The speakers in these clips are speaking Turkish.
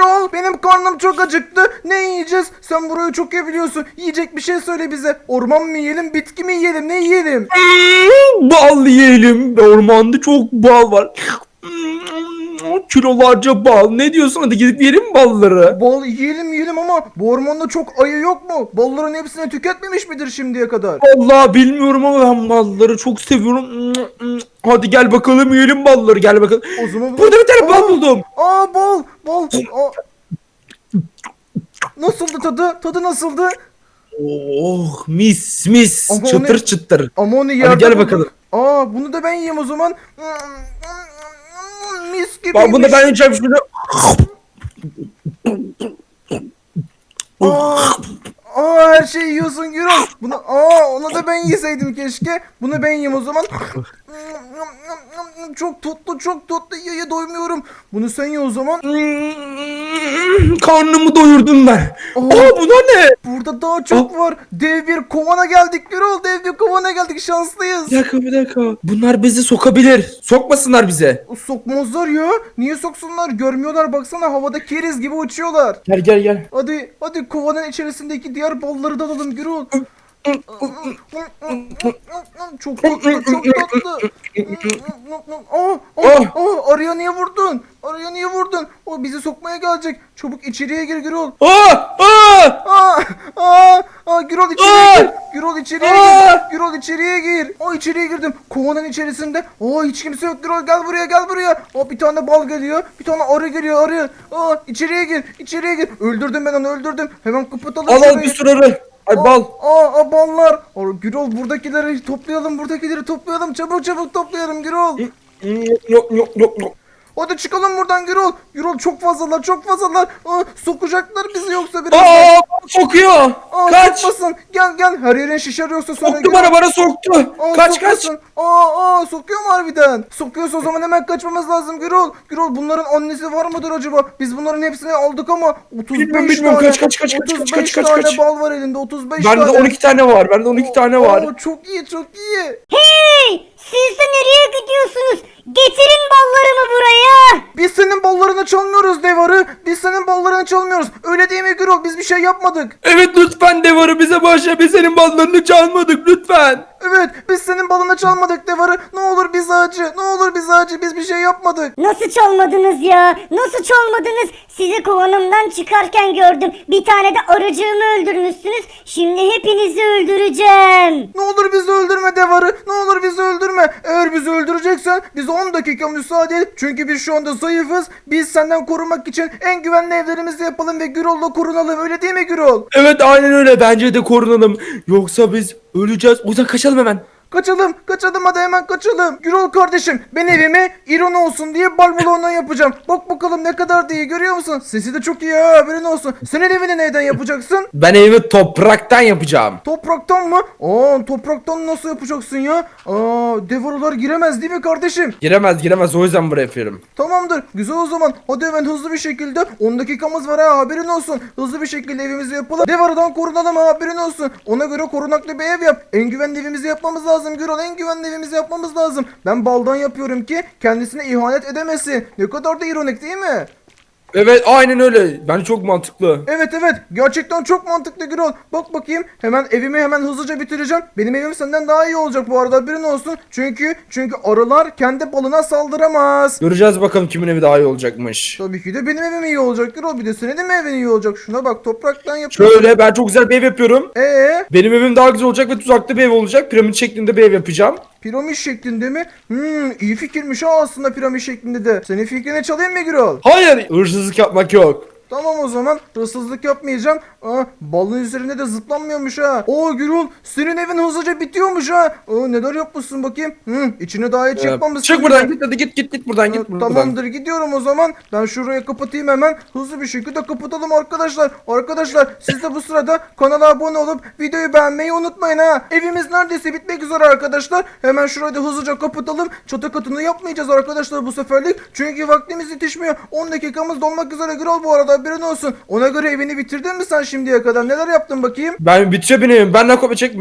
Gürol, benim karnım çok acıktı. Ne yiyeceğiz? Sen burayı çok iyi biliyorsun. Yiyecek bir şey söyle bize. Orman mı yiyelim, bitki mi yiyelim, ne yiyelim? Bal yiyelim. Ormanda çok bal var. Kilolarca bal. Ne diyorsun? Hadi gidip yiyelim mi balları? Bal yiyelim ama bu ormanda çok ayı yok mu? Balların hepsini tüketmemiş midir şimdiye kadar? Vallahi bilmiyorum ama ben balları çok seviyorum. Hadi gel bakalım yiyelim balları. Gel bakalım. O zaman Burada bir tane bal buldum. Bal. Aa. Nasıldı tadı? Tadı nasıldı? Oh mis mis. Ama Çıtır onu- çıtır. Ama onu Hadi yerde gel bulduk. bakalım. Bunu da ben yiyeyim o zaman. Mis Bak bunu da gibiymiş. ben yiyeceğim şimdi. Aa, her şeyi yiyorsun Gürol. Onu da ben yeseydim keşke. Bunu ben yiyeyim o zaman. Çok tatlı. Ye doymuyorum. Bunu sen ye o zaman. Karnımı doyurdum ben. Aa bu da ne? Burada daha çok var. Dev bir kovana geldik Gürol. Dev bir kovana geldik. Şanslıyız. Bir dakika. Bunlar bizi sokabilir. Sokmasınlar bize. Sokmazlar ya. Niye soksunlar? Görmüyorlar. Baksana havada keriz gibi uçuyorlar. Gel. Hadi kovanın içerisindeki diğer balları da alalım Gürol. Çok tatlı. Arıya niye vurdun? O bizi sokmaya gelecek. Çabuk içeriye gir Gürol. Gürol içeriye gir. Gürol içeriye gir. İçeriye girdim. Kovanın içerisinde. Hiç kimse yok Gürol. Gel buraya. Bir tane bal geliyor. Bir tane arı geliyor. İçeriye gir. Öldürdüm ben onu. Hemen kapatalım Al şurayı. bir sürü arı. Ay bal. Ballar. Gürol buradakileri toplayalım. Çabuk toplayalım Gürol. Yok. Hadi çıkalım buradan Gürol. Gürol çok fazlalar. Sokacaklar bizi yoksa biraz. Sokuyor. Kaç. Sokmasın. Gel. Her yerin şişer yoksa sonra Soktu Gürol. bana soktu. Kaç. Sokmasın. Sokuyor mu harbiden? Sokuyorsa o zaman hemen kaçmamız lazım Gürol. Gürol bunların annesi var mıdır acaba? Biz bunların hepsini aldık ama 35 Bilmiyorum. tane. Kaç. 35 tane bal var elinde. 35 Bende de tane. 12 tane var. Çok iyi. Hey! Siz de nereye gidiyorsunuz? Getirin ballarımı buraya. Biz senin ballarını çalmıyoruz Devarı. Öyle değil mi Gürol? Biz bir şey yapmadık. Evet lütfen devarı bize bağışla. Biz senin ballarını çalmadık lütfen. Evet biz senin balını çalmadık Devarı. Ne olur bizi acı. Biz bir şey yapmadık. Nasıl çalmadınız ya? Sizi kovanımdan çıkarken gördüm. Bir tane de arıcığımı öldürmüşsünüz. Şimdi hepinizi öldüreceğim. Ne olur bizi öldürme Devarı. Eğer bizi öldüreceksen bize 10 dakika müsaade et. Çünkü biz şu anda zayıfız. Biz senden korunmak için en güvenli evlerimizi yapalım ve Gürol'la korunalım. Öyle değil mi Gürol? Evet aynen öyle. Bence de korunalım. Yoksa biz öleceğiz. O yüzden kaçalım hemen. Kaçalım hadi hemen kaçalım. Gürol kardeşim ben evime ironi olsun diye bal balonu yapacağım. Bak bakalım ne kadar da iyi görüyor musun? Sesi de çok iyi ha haberin olsun. Senin evini neyden yapacaksın? Ben evimi topraktan yapacağım. Topraktan mı? Topraktan nasıl yapacaksın ya? Devorular giremez değil mi kardeşim? Giremez. O yüzden buraya yapıyorum. Tamamdır. Güzel o zaman. Hadi hemen hızlı bir şekilde 10 dakikamız var ha haberin olsun. Hızlı bir şekilde evimizi yapalım. Devardan korunalım ha haberin olsun. Ona göre korunaklı bir ev yap. En güvenli evimizi yapmamız lazım Gürol. Ben baldan yapıyorum ki kendisine ihanet edemesin. Ne kadar da ironik değil mi? Evet aynen öyle. Bence çok mantıklı. Evet gerçekten çok mantıklı Gürol. Bak bakayım evimi hemen hızlıca bitireceğim. Benim evim senden daha iyi olacak bu arada haberin olsun. Çünkü arılar kendi balına saldıramaz. Göreceğiz bakalım kimin evi daha iyi olacakmış. Tabii ki de benim evim iyi olacak Gürol. Bir de senin de mi evin iyi olacak? Şuna bak topraktan yapıyorum. Şöyle ben çok güzel bir ev yapıyorum. Benim Evim daha güzel olacak ve tuzaklı bir ev olacak. Piramit şeklinde bir ev yapacağım. piramit şeklinde mi? İyi fikirmiş ha aslında piramit şeklinde de. Senin fikrine çalayım mı Gürol? Hayır, hırsızlık yapmak yok. Tamam o zaman hırsızlık yapmayacağım. Balın üzerinde de zıplanmıyormuş ha. Gürol senin evin hızlıca bitiyormuş ha. Neler yapmışsın bakayım. İçine daha hiç yapmamışsın. Çık buradan git hadi git buradan git buradan. Tamamdır gidiyorum o zaman. Ben şuraya kapatayım hemen. Hızlı bir şekilde kapatalım arkadaşlar. Arkadaşlar siz de bu sırada kanala abone olup videoyu beğenmeyi unutmayın ha. Evimiz neredeyse bitmek üzere arkadaşlar. Hemen şurayı da hızlıca kapatalım. Çatı katını yapmayacağız arkadaşlar bu seferlik. Çünkü vaktimiz yetişmiyor. 10 dakikamız dolmak üzere Gürol bu arada haberin olsun. Ona göre evini bitirdin mi sen şimdiye kadar? Neler yaptın bakayım? Ben bitişe bineyim. Benden kopya çekme.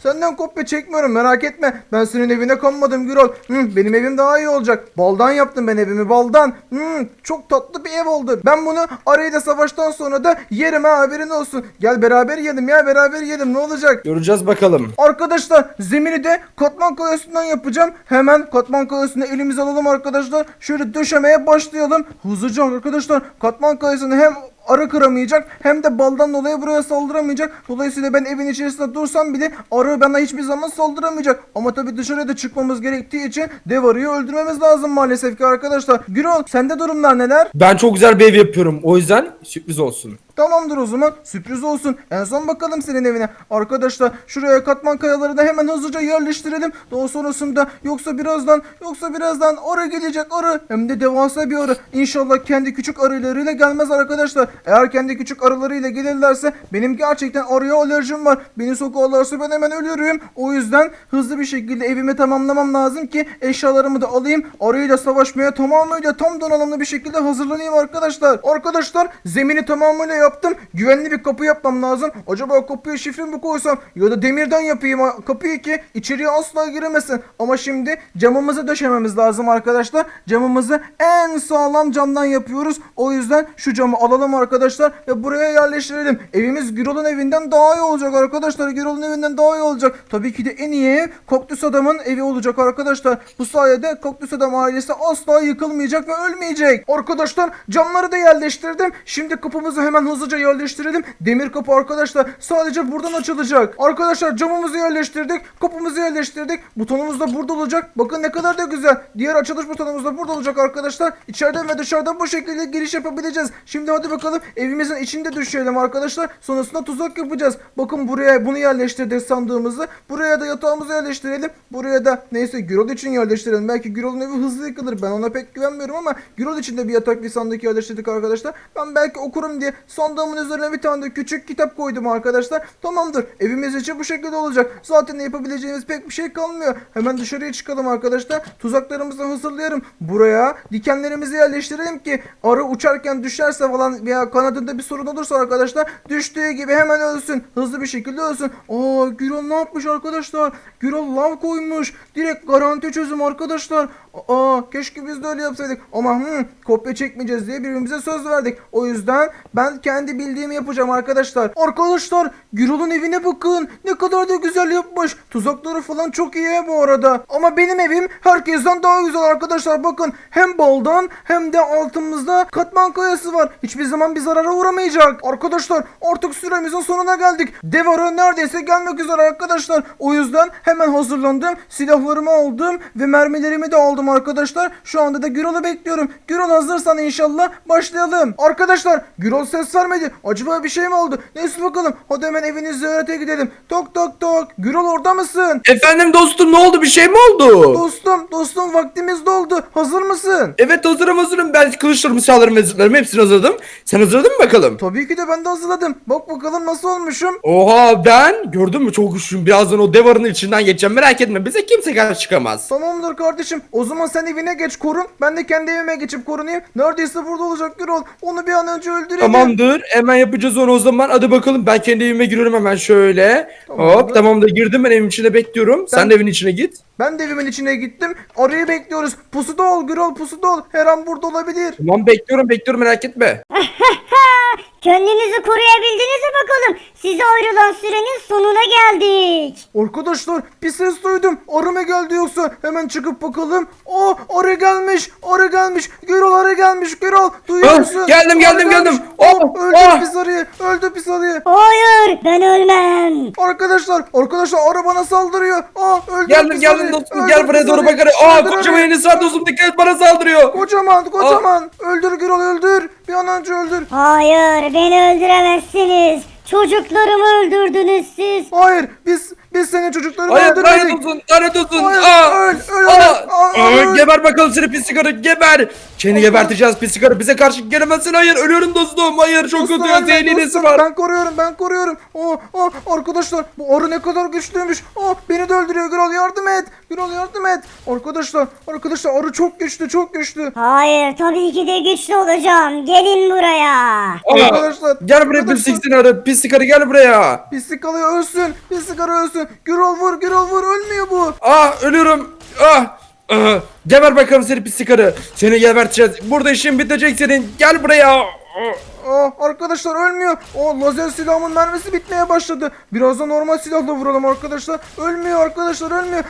Senden kopya çekmiyorum, merak etme. Ben senin evine konmadım Gürol. Benim evim daha iyi olacak. Baldan yaptım ben evimi, baldan. Çok tatlı bir ev oldu. Ben bunu arayı da savaştan sonra da yerim ha, haberin olsun. Gel beraber yiyelim ya, beraber yiyelim, ne olacak? Göreceğiz bakalım. Arkadaşlar zemini de katman kayasından yapacağım. Hemen katman kayasını elimize alalım arkadaşlar. Şöyle döşemeye başlayalım. Hızlıca arkadaşlar, katman kayasını hem arı kıramayacak hem de baldan dolayı buraya saldıramayacak. Dolayısıyla ben evin içerisinde dursam bile arı bana hiçbir zaman saldıramayacak. Ama tabii dışarıya da çıkmamız gerektiği için dev arıyı öldürmemiz lazım maalesef ki arkadaşlar. Gürol, sende durumlar neler? Ben çok güzel bir ev yapıyorum. O yüzden sürpriz olsun. Tamamdır, o zaman sürpriz olsun. En son bakalım senin evine. Arkadaşlar şuraya katman kayaları da hemen hızlıca yerleştirelim. Daha sonrasında yoksa birazdan arı gelecek, arı. Hem de devasa bir arı. İnşallah kendi küçük arılarıyla gelmez arkadaşlar. Eğer kendi küçük arılarıyla gelirlerse benim gerçekten arıya alerjim var. Beni sokarlarsa ben hemen ölürüm. O yüzden hızlı bir şekilde evimi tamamlamam lazım ki eşyalarımı da alayım. Arıyla savaşmaya tamamıyla tam donanımlı bir şekilde hazırlanayım arkadaşlar. Arkadaşlar zemini tamamıyla yaptım. Güvenli bir kapı yapmam lazım. Acaba kapıya şifre mi koysam ya da demirden yapayım kapıyı ki içeriye asla giremesin. Ama şimdi camımızı döşememiz lazım arkadaşlar. Camımızı en sağlam camdan yapıyoruz. O yüzden şu camı alalım arkadaşlar ve buraya yerleştirelim. Evimiz Gürol'un evinden daha iyi olacak arkadaşlar. Gürol'un evinden daha iyi olacak. Tabii ki de en iyi ev Kaktüs Adam'ın evi olacak arkadaşlar. Bu sayede Kaktüs Adam ailesi asla yıkılmayacak ve ölmeyecek. Arkadaşlar camları da yerleştirdim. Şimdi kapımızı hemen hızlıca yerleştirelim. Demir kapı arkadaşlar sadece buradan açılacak. Arkadaşlar camımızı yerleştirdik. Kapımızı yerleştirdik. Butonumuz da burada olacak. Bakın ne kadar da güzel. Diğer açılış butonumuz da burada olacak arkadaşlar. İçeriden ve dışarıdan bu şekilde giriş yapabileceğiz. Şimdi hadi bakalım evimizin içinde düşelim arkadaşlar. Sonrasında tuzak yapacağız. Bakın buraya bunu yerleştirdik sandığımızı. Buraya da yatağımızı yerleştirelim. Buraya da neyse Gürol için yerleştirelim. Belki Gürol'un evi hızlı yıkılır. Ben ona pek güvenmiyorum ama Gürol için de bir yatak bir sandık yerleştirdik arkadaşlar. Ben belki okurum diye sandığımın üzerine bir tane de küçük kitap koydum arkadaşlar. Tamamdır. Evimiz için bu şekilde olacak. Zaten yapabileceğimiz pek bir şey kalmıyor. Hemen dışarıya çıkalım arkadaşlar. Tuzaklarımızı hazırlayalım. Buraya dikenlerimizi yerleştirelim ki arı uçarken düşerse falan veya kanadında bir sorun olursa arkadaşlar düştüğü gibi hemen ölsün. Hızlı bir şekilde ölsün. Aa, Gürol ne yapmış arkadaşlar? Gürol lav koymuş. Direkt garanti çözüm arkadaşlar. Keşke biz de öyle yapsaydık. Ama kopya çekmeyeceğiz diye birbirimize söz verdik. O yüzden ben kendi bildiğimi yapacağım arkadaşlar. Arkadaşlar Gürol'un evine bakın. Ne kadar da güzel yapmış. Tuzakları falan çok iyi bu arada. Ama benim evim herkesten daha güzel arkadaşlar. Bakın hem baldan hem de altımızda katman kayası var. Hiçbir zaman bir zarara uğramayacak. Arkadaşlar artık süremizin sonuna geldik. Dev arı neredeyse gelmek üzere arkadaşlar. O yüzden hemen hazırlandım. Silahlarımı aldım ve mermilerimi de aldım arkadaşlar. Şu anda da Gürol'u bekliyorum. Gürol hazırsan inşallah başlayalım. Arkadaşlar Gürol ses vermedi. Acaba bir şey mi oldu? Neyse bakalım. Hadi hemen evini ziyarete gidelim. Tok tok tok. Gürol orada mısın? Efendim dostum, ne oldu, bir şey mi oldu? Dostum vaktimiz doldu. Hazır mısın? Evet hazırım. Ben kılıçlarımı, silahlarımı ve zırhlarımı hepsini hazırladım. Sen hazırladın mı bakalım? Tabii ki de ben de hazırladım. Bak bakalım nasıl olmuşum. Oha, ben gördün mü, çok güçlüyüm. Birazdan o dev arının içinden geçeceğim, merak etme, bize kimse karşı çıkamaz. Tamamdır kardeşim. O zaman sen evine geç korun. Ben de kendi evime geçip korunayım. Neredeyse burada olacak Gürol. Onu bir an önce öldürelim. Tamamdır, hemen yapacağız onu o zaman. Hadi bakalım, ben kendi evime giriyorum hemen şöyle. Tamamdır. Hop, tamamdır, girdim, ben evin içine bekliyorum. Sen de evin içine git. Ben de evimin içine gittim. Arayı bekliyoruz. Pusuda ol Gürol, pusuda ol. Her an burada olabilir. Tamam, bekliyorum, merak etme. Kendinizi koruyabildiniz mi bakalım? Size ayrılan sürenin sonuna geldik. Arkadaşlar bir ses duydum. Arı mı geldi yoksa? Hemen çıkıp bakalım. Arı gelmiş. Arı gelmiş. Gürol arı gelmiş. Gürol duyuyor musun? Geldim. Arı gelmiş. Öldür pis arıyı. Öldür pis arıyı. Hayır, ben ölmem. Arkadaşlar arı bana saldırıyor. Öldür Geldim pis arıyı. dostum, Öldür gel buraya pis doğru arıyı. bakarım. Öldür Kocaman arıyı. Enes var dostum, dikkat et, bana saldırıyor. Kocaman. Öldür Gürol öldür. Bir an önce öldür. Hayır, beni öldüremezsiniz. Çocuklarımı öldürdünüz siz. Hayır biz senin çocuklarını Hayır, öldürmedik. lanet olsun. Hayır, öl. Geber bakalım seni pis sigara, geber. Seni geberteceğiz pis sigara, bize karşı gelemezsin. Hayır, ölüyorum dostum. Hayır, çok Dostum, kötü, zehirli iğnesi var. Ben koruyorum. Arkadaşlar bu arı ne kadar güçlüymüş. Beni de öldürüyor. Gürol yardım et. Arkadaşlar arı çok güçlü. Hayır, tabii ki de güçlü olacağım. Gelin buraya. Arkadaşlar. Gel buraya arkadaşlar. pislik arı. Pislik arı gel buraya. Pislik alıyor ölsün. Pislik arı ölsün. Gürol vur Gürol vur ölmüyor bu. Ölüyorum. Geber bakalım seni pislik arı. Seni geberteceğiz. Burada işin bitecek senin. Gel buraya. Arkadaşlar ölmüyor. Lazer silahımın mermisi bitmeye başladı. Birazdan normal silahla vuralım arkadaşlar. Ölmüyor arkadaşlar ölmüyor.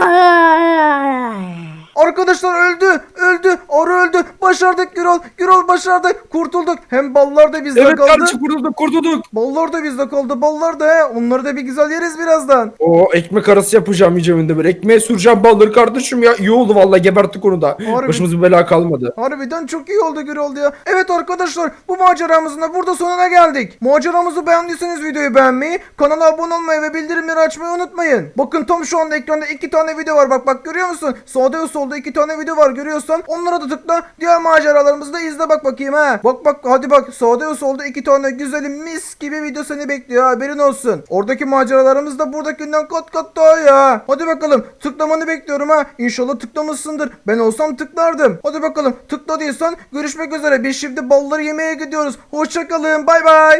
Arkadaşlar öldü. Arı öldü. Başardık Gürol. Gürol başardık. Kurtulduk. Hem ballar da bizde Evet kaldı. kardeşim kurtulduk. Ballar da bizde kaldı. Ballar da he. Onları da bir güzel yeriz birazdan. Ekmek arası yapacağım yiyeceğim bir. Ekmeğe süreceğim balları kardeşim ya. İyi oldu vallahi geberttik onu da. Harbi. Başımıza bir bela kalmadı. Harbiden çok iyi oldu Gürol ya. Evet arkadaşlar bu maceramızın da burada sonuna geldik. Maceramızı beğendiyseniz videoyu beğenmeyi, kanala abone olmayı ve bildirimleri açmayı unutmayın. Bakın tam şu anda ekranda 2 tane video var. Bak görüyor musun? Sağda ve solda 2 tane video var görüyorsan. Onlara da tıkla. Diğer maceralarımızı da izle bak bakayım ha. Bak hadi bak sağda ve solda 2 tane güzelim mis gibi video seni bekliyor haberin olsun. Oradaki maceralarımız da buradakinden kat daha ya. Hadi bakalım tıklamanı bekliyorum ha. İnşallah tıklamışsındır. Ben olsam tıklardım. Hadi bakalım tıkladıysan görüşmek üzere. Biz şimdi balları yemeye gidiyoruz. Hoşçakalın bay bay.